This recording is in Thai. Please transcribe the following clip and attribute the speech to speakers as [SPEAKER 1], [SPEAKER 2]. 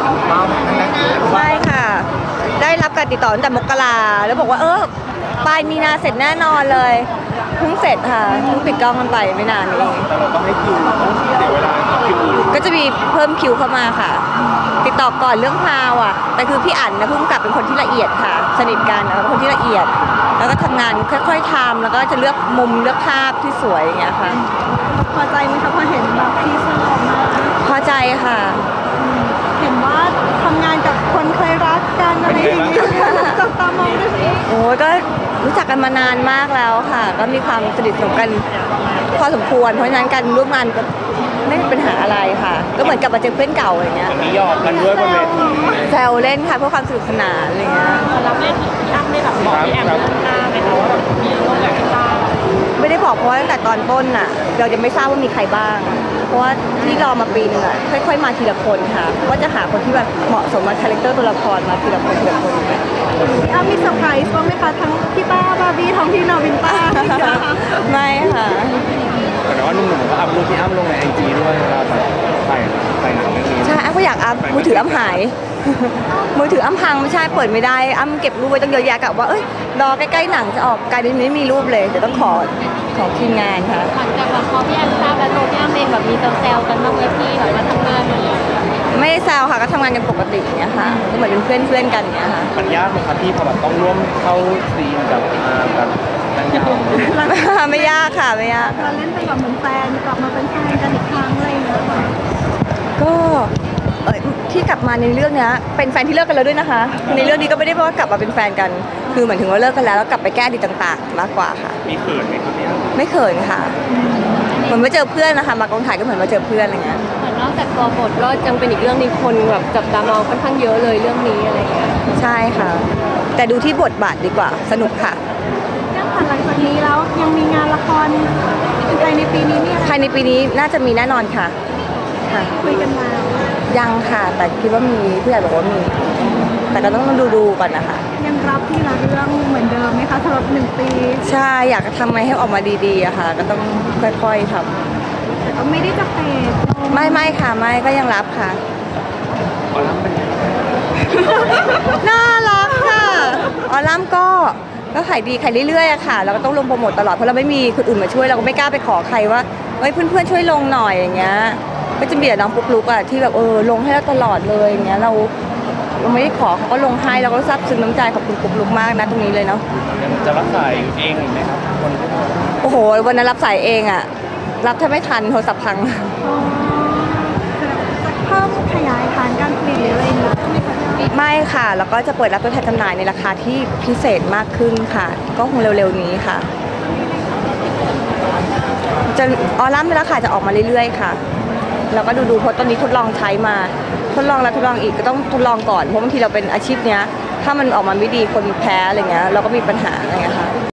[SPEAKER 1] ใช่ค่ะได้รับการติดต่อตั้งแต่มกราแล้วบอกว่าปลายมีนาเสร็จแน่นอนเลยเพิ่งเสร็จค่ะเพิ่งปิดกล้องกันไปไม่นานนี้
[SPEAKER 2] แต่เราต้องให้คิวต้องเสียเวลาคิวอื่น
[SPEAKER 1] ก็จะมีเพิ่มคิวเข้ามาค่ะติดต่อก่อนเรื่องพาวอ่ะแต่คือพี่อั๋นนะพุ่งกลับเป็นคนที่ละเอียดค่ะสนิทกันเป็นคนที่ละเอียดแล้วก็ทำงานค่อยๆทำแล้วก็จะเลือกมุมเลือกภาพที่สวยอย่างเงี้ยค่ะ
[SPEAKER 3] พอใจไหมคะพอเห็นแบบทีเซอร์ออกมา
[SPEAKER 1] พอใจค่ะ
[SPEAKER 3] เห็นว่าทำงานกับคนเคยรักกันอะไรอย่างนี้จับตามองด้วยสิ
[SPEAKER 1] โอ้ก็รู้จักกันมานานมากแล้วค่ะก็มีความสนิทสนมกันพอสมควรเพราะฉะนั้นการร่วมงานก็ไม่มีปัญหาอะไรค่ะก็เหมือนกับมาเจอเพื่อนเก่าอย่างเงี้ย
[SPEAKER 2] มีหยอกกันด้วยบนเวที
[SPEAKER 1] แซวเล่นค่ะเพื่อความสนุกสนานอะไรเงี้ย
[SPEAKER 3] เราเล่นพี่อ้ำได้แบบบอกพี่แอมหน้าไหมคะว่าแบบมีร่วมกับพี่ต้า
[SPEAKER 1] ไม่ได้บอกเพราะว่าตั้งแต่ตอนต้นน่ะเราจะไม่ทราบว่ามีใครบ้างเพราะว่าที่รอมาปีนึงอ่ะค่อยๆมาทีละคนค่ะว่าจะหาคนที่แบบเหมาะสมกับคาแรคเตอร์ตัวละครมาทีละคนทีละคน
[SPEAKER 3] พี่อ้ำมีเซอร์ไพรส์บ้างไหมคะทั้งพี่ต้าบาร์บี้ทั้งพี่นาวินต้า
[SPEAKER 1] ไม่ค่ะ
[SPEAKER 2] แต่ว่าหนุ่มๆก็อัพรูปพี่อ้ำลงในไอจีด้วยเวลาถ่ายหนังเรื่องนี้
[SPEAKER 1] ใช่อ้ำก็อยากอัพมือถืออ้ำหายมือถืออ้ำพังไม่ใช่เปิดไม่ได้อ้ำเก็บรูปไว้ตั้งเยอะแยะกับว่ารอใกล้ๆหนังจะออกกลายเป็นไม่มีรูปเลยเดี๋ยวต้องขอของทีมงานค่ะ
[SPEAKER 3] หลังจากแบบพอพี่แอมทราบแล้วตัวพี่แอมเองแบบมีแซวกันบ้างไหมพี่แบบมาทำงานมา
[SPEAKER 1] ไม่ได้แซวค่ะก็ทำงานกันปกติอย่างเงี้ยค่ะก็เหมือนเป็นเพื่อนกันอย่างเงี้ยค่ะ
[SPEAKER 2] มันยากไหมครับพี่พอแบบต้องร่วมเข้าซีนกับนางงาม
[SPEAKER 1] ไม่ยากค่ะไม่ยาก
[SPEAKER 3] เราเล่นเป็นแบบเหมือนแฟนกลับมาเป็นแฟนกันอีกครั้งอะไรอย่างเงี้ย
[SPEAKER 1] ก็ที่กลับมาในเรื่องนี้เป็นแฟนที่เลิกกันแล้วด้วยนะคะในเรื่องนี้ก็ไม่ได้ว่ากลับมาเป็นแฟนกันคือเหมือนถึงว่าเลิกกันแล้วกลับไปแก้ดีต่างๆมากกว่าค่ะ
[SPEAKER 2] มีเขินไหมครับพี่
[SPEAKER 1] ไม่เขินค่ะเหมือนมาเจอเพื่อนนะคะมากองถ่ายก็เหมือนมาเจอเพื่อนอะไรเงี้ย
[SPEAKER 3] เหมือนนอกจากตัวบทก็ยังเป็นอีกเรื่องนึงคนแบบจับตามองค่อนข้างเยอะเลยเรื่องนี้อะไรเงี้ย
[SPEAKER 1] ใช่ค่ะแต่ดูที่บทบาทดีกว่าสนุกค่ะ
[SPEAKER 3] หลังจากนี้แล้วยังมีงานละครภายในปีนี้เนี่ย
[SPEAKER 1] ภายในปีนี้น่าจะมีแน่นอนค่ะ
[SPEAKER 3] คุยกันมา
[SPEAKER 1] ยังค่ะแต่คิดว่ามีผู้ใหญ่บอกว่ามีแต่ก็ต้องดูก่อนนะคะ
[SPEAKER 3] ยังรับที่ละเรื่องเหมือนเดิมไหมคะสำหรับ1 ปี
[SPEAKER 1] ใช่อยากจะทำไงให้ออกมาดีๆอะค่ะก็ต้องค่อยๆท
[SPEAKER 3] ำแต่ก็ไม่ได้จะเฟด
[SPEAKER 1] ไม่ค่ะไม่ก็ยังรับค่ะ
[SPEAKER 2] ออลัมเป็น
[SPEAKER 1] น่ารักค่ะออลัมก็ขายดีขายเรื่อยๆอะค่ะเราก็ต้องลงโปรโมทตลอดเพราะเราไม่มีคนอื่นมาช่วยเราก็ไม่กล้าไปขอใครว่าเพื่อนๆช่วยลงหน่อยอย่างเงี้ยก็จะมีแต่น้องปุ๊กลุกอะที่แบบลงให้เราตลอดเลยอย่างเงี้ยเราไม่ได้ขอเขาก็ลงให้เราก็ซาบซึ้งน้ำใจขอบคุณปุ๊กลุกมากนะตรงนี้เลยเนาะ
[SPEAKER 2] จะรับสายเองหรือไหมครับคนที่
[SPEAKER 1] โอ้โหวันนั้นรับสายเองอะรับแทบไม่ทันโทรศัพท์พัง
[SPEAKER 3] เพิ่มขยายฐานการผลิตหรืออะไรอย่างเงี้ย
[SPEAKER 1] ไม่ค่ะแล้วก็จะเปิดรับตัวแทนจำหน่ายในราคาที่พิเศษมากขึ้นค่ะก็คงเร็วๆนี้ค่ะจะออลัมในราคาจะออกมาเรื่อยๆค่ะเราก็ดูเพราะตอนนี้ทดลองใช้มาทดลองแล้วทดลองอีกก็ต้องทดลองก่อนเพราะบางทีเราเป็นอาชีพเนี้ยถ้ามันออกมาไม่ดีคนแพ้อะไรเงี้ยเราก็มีปัญหาอะไรเงี้ยค่ะ